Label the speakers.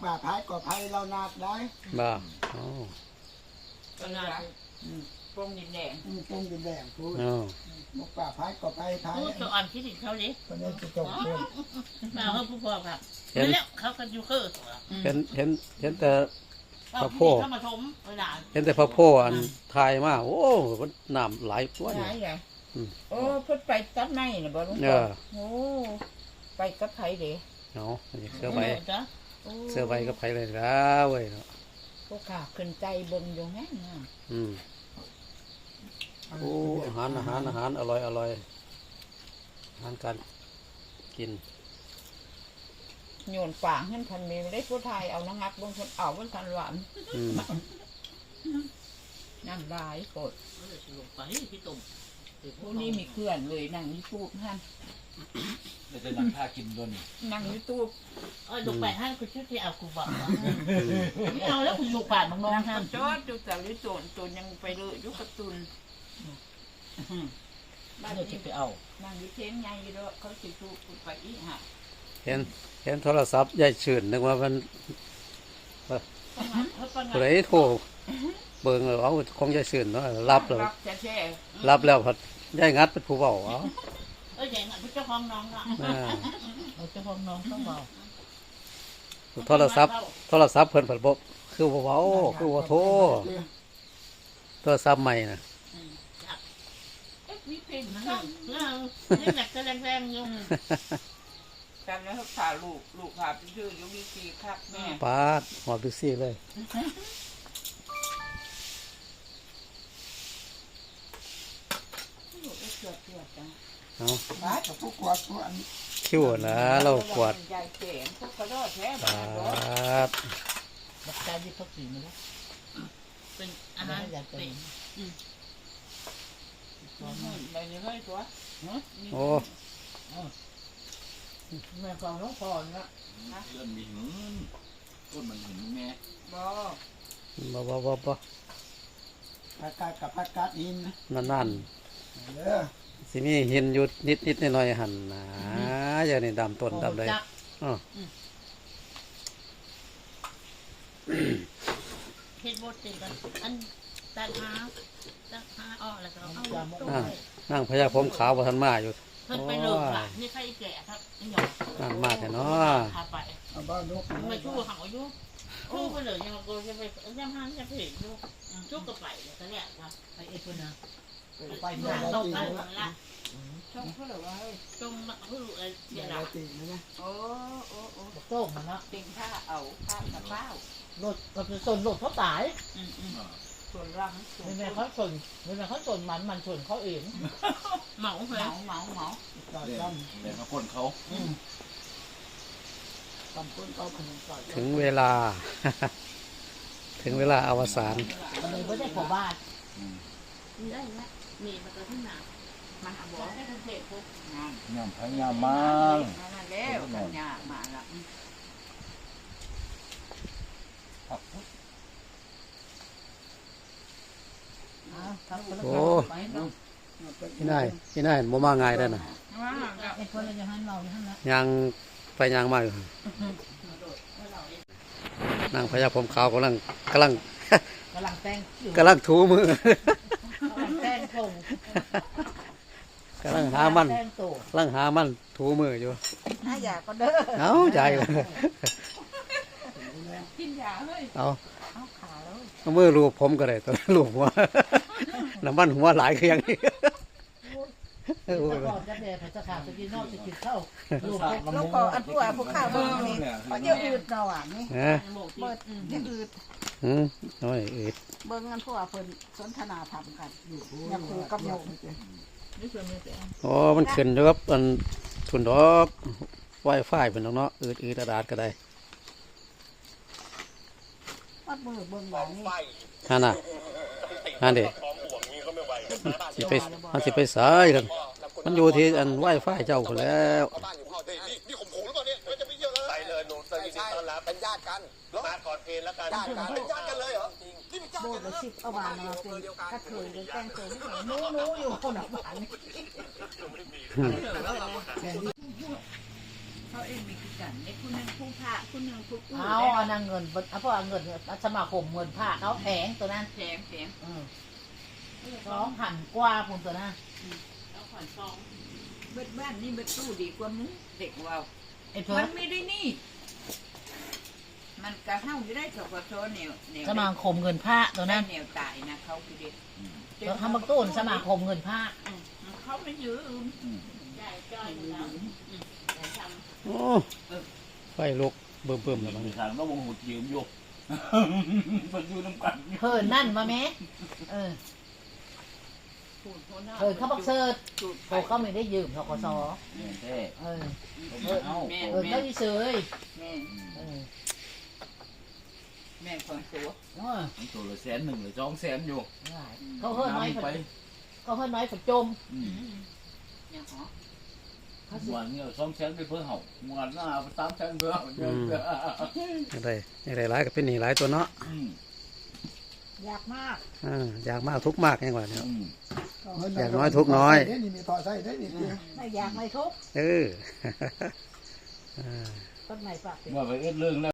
Speaker 1: ป่าพายก่อภัยเรานาดได้
Speaker 2: บ่อ๋อ
Speaker 3: ก็นาดปงดินแดง
Speaker 1: ปงดินแดงพูดมกป่าพายก่อภัยพาย
Speaker 3: ตัวอ่อนคิดถึงเขาดิ
Speaker 1: คนนี้จะจบเรื่อง
Speaker 3: มาเขาผู้พ่อครับนั่นแหละเขากันอยู่คือ
Speaker 2: เห็นแต่พระโพธิ์เห็นแต่พระโพธิ์อันทายมาโอ้มันน้ำไหลตัวนี่
Speaker 3: โอ้พุ่งไปตัดไม้เนี่ยบ่ลุงพ่อโอ้ไปกับไผเด้
Speaker 2: เนาะเสื้อใบกับไผเลยนะเว้ยเนาะ
Speaker 3: พวกข้าขึ้นใจเบิ่งอยู่แม่ง
Speaker 2: โอ้อาหารอร่อยอาหารการกิน
Speaker 3: โยนฝางขึ้นพันมีไม่ได้ผู้ไทยเอาน้ำงัดบนคนเอาบนทันหวานนั่งลายกดลงไปพี่ตุ่มพวกนี้มีเคลื่อนเลยนั่งนี่ตูบท่าน
Speaker 4: เราจะนั่งท่ากินด้วย
Speaker 3: นั่งนี่ตูบลงไปท่านคุณชื่อที่เอากูบอกไม่เอาแล้วคุณลูกป่านบางน้องท่านจอดดูแต่ลิโจนยังไปเลยยุกระตุนบ้านที่ไปเอานั่งอยู่เทียนไงด้วยเขาสิตูบไปอีห่ะ
Speaker 2: เห็นโทรศัพท์ยายชื่นนึกว่ามันผู้ใดโทรเบิ่งเอาคงยายชื่นเนาะรับแล้วพัดยายงัดเป็นผู้เว้าเอา
Speaker 3: ยายงัดเป็นเจ้าของน้องล่ะเจ้าของน้องต้องเว้า
Speaker 2: โทรศัพท์เพิ่นผัดบ่คือบ่เว้าคือบ่โทรโทรศัพท์ใหม่น่ะ
Speaker 3: มีเพลงนั่งอยากจะแรงๆอยู่กันแล้วพาลูกพาไปชื่อยุมีซีครับแม่
Speaker 2: ปาดหอดดูซี่เลย
Speaker 1: เอาปาดกับพวกกวาดพวกอัน
Speaker 2: คิวนะเรากวาด
Speaker 3: ใหญ่เจ๋งพวกกระโดดแท้
Speaker 2: ปาด
Speaker 3: บักใจที่เขากินมาแล้วเป็นอาหารเป็นไปเรื่อยๆตัว
Speaker 2: โอ้
Speaker 3: แม่กองน้องพรนะ
Speaker 4: เริ่มมีหินต้นมันหินแม่
Speaker 2: บ่
Speaker 1: ผักกาดกับผักกาดหิน
Speaker 2: นั่นสิมีหินอยู่นิดหน่อยหั่นนะอย่างนี้ดำต้นดำเลย
Speaker 3: เฮ็ดบดติกันอันตัดหาอ้อแล้วก็เอา
Speaker 2: นั่งพญาผมขาวบ่ทันมาอยู่
Speaker 3: เพิ่นไปเลิกล่ะนี่ใครแก่ครับนี่หยอก
Speaker 2: นั่งมาแต่เนาะ
Speaker 3: พาไป
Speaker 1: เอาบ้านนก
Speaker 3: มาชู้เขาอยู่ชู้ไปเลยยังโกจะไปย่ำห้างจะเพจอยู่ชู้ก็ไปเลยตอนแรกว่าไปเอ็ดเพิ่นนะไปเมืองตกไปละช่องเพื่อว่าช่องเพื่อเสียหลักโอ้ต้มมันนะติงผ้าเอาผ้ากระเป๋ารถเราจะส่วนรถเขาตายส่วนรังไม่แม่เขาส่วนมันส่วนเขาเองเหมาเลยเหมา
Speaker 4: เดี๋ยวเขาพ่นเขา
Speaker 2: ถึงเวลาอวสาน
Speaker 3: เลยไม่ได้ขอบ้านได้แล้วมีมาตัวที่หนามาหาบอกให้ทุกเด็กพวก
Speaker 4: งามพญามา
Speaker 3: แล้วพญามาละ
Speaker 2: โอ้ที่ไหนบ่มาง่ายได้น่ะยังไปยังมาอยู่นั่งพญาผมขาวกำลังถูมือกำลังหามันถูมืออยู่
Speaker 3: น่าอยากก็เด้อ
Speaker 2: เอาใจเลย
Speaker 3: กินยาเลย
Speaker 2: เอามือรูปผมก็ได้ตัวรูปหัวน้ำมันหัวหลายคืออย่างนี้
Speaker 3: จะขาดจะกินนอกจะกินข้าว
Speaker 5: ลูกก็อันตัวพวกข้าวเบิ้งนี่เขาจะอืดเราอ่ะนี่เบิดจะอืด
Speaker 2: น้อยอืด
Speaker 5: เบิ้งกันพวกเพิ่นสนทนาธรรมกันอย่าคูกับโยม
Speaker 2: โอ้มันขึ้นอยู่กับอันทุนดอกไวไฟเป็นเนาะอืดดาดก็ได้
Speaker 5: วัดเบิ้งหลังนี่
Speaker 2: ฮันเด็มันสิไปสายกันมันอยู่ที่อันไหว้ฝ้ายเจ้าคนแล้ว
Speaker 6: นี่ข่มขู่หรือเปล่าเนี่ยจะไปเยอะเลยไปเลยหนูเตยยินดีต้อนรับเป็นญาติกันมาก่อนเพลแล้วกันเป็นญาติกันเลยเหรอนี่เป็นญาติกัน
Speaker 5: เลยชิบเอาบานมาเป็นกระเทยเป็นแกงเทยนู้อยู่คนละบานเขาเองมีกี่กันในคุณนึงผู้พระคุณนึงผู้กู้
Speaker 3: เอาอันนั้นเงินเพราะเงินสมาคมเงินผ้าเขาแพงตัวนั้น
Speaker 5: แถม
Speaker 3: 2,000 กว่าพุ่นตัวนั้น
Speaker 5: เบิดบ้านนี่เบิดตู้ดีกว่ามึงเด็กว่า
Speaker 3: ไอ้เพิ่
Speaker 5: มัน นไม่ได้นี่ มันกระเท่าอยู่ได้สกทแนว
Speaker 3: สมาคมเงินผ้าตัวนั้น
Speaker 5: แนวตายนะเขาคือเด็ก
Speaker 3: แล้วทำบักตูนสมาคมเงินผ้า
Speaker 5: เขาไม่ยืม
Speaker 2: โอ้ไฟลุกเบิ่มๆแล้วมัน
Speaker 4: มีทางต้องวงหุดยืมอยู่มันอยู่น้ำกัน
Speaker 3: เพิ่นนั่นมาแม่เขาบักเซิร์ชเขาไม่ได้ยืมธกส.
Speaker 4: แท้
Speaker 3: เขาเฉย
Speaker 5: แม่คนตัว
Speaker 4: มันตัวละ100,000หรือ200,000อยู่
Speaker 3: เขาเฮิ่นน้อย
Speaker 4: ไป
Speaker 3: เขาเฮิ่นน้อยฝนจม
Speaker 5: อย่างหรอ
Speaker 4: วันนี้200,000ไปเพื่อเห่าวันหน้า300,000เพื่อเห่า
Speaker 2: อย่างไรหลายก็เป็นหนีหลายตัวเนาะ
Speaker 5: ยากมาก
Speaker 2: อยากมากทุกมากยังไงเนี่ยอยากน้อยทุกน้อย
Speaker 1: นี่มีต่อใส่ได้นี่
Speaker 3: ไม่อยากไม่ทุก
Speaker 2: เออ
Speaker 3: ต้นไหนปาก
Speaker 4: ว่าไปเอ็ดเรื่องแล้ว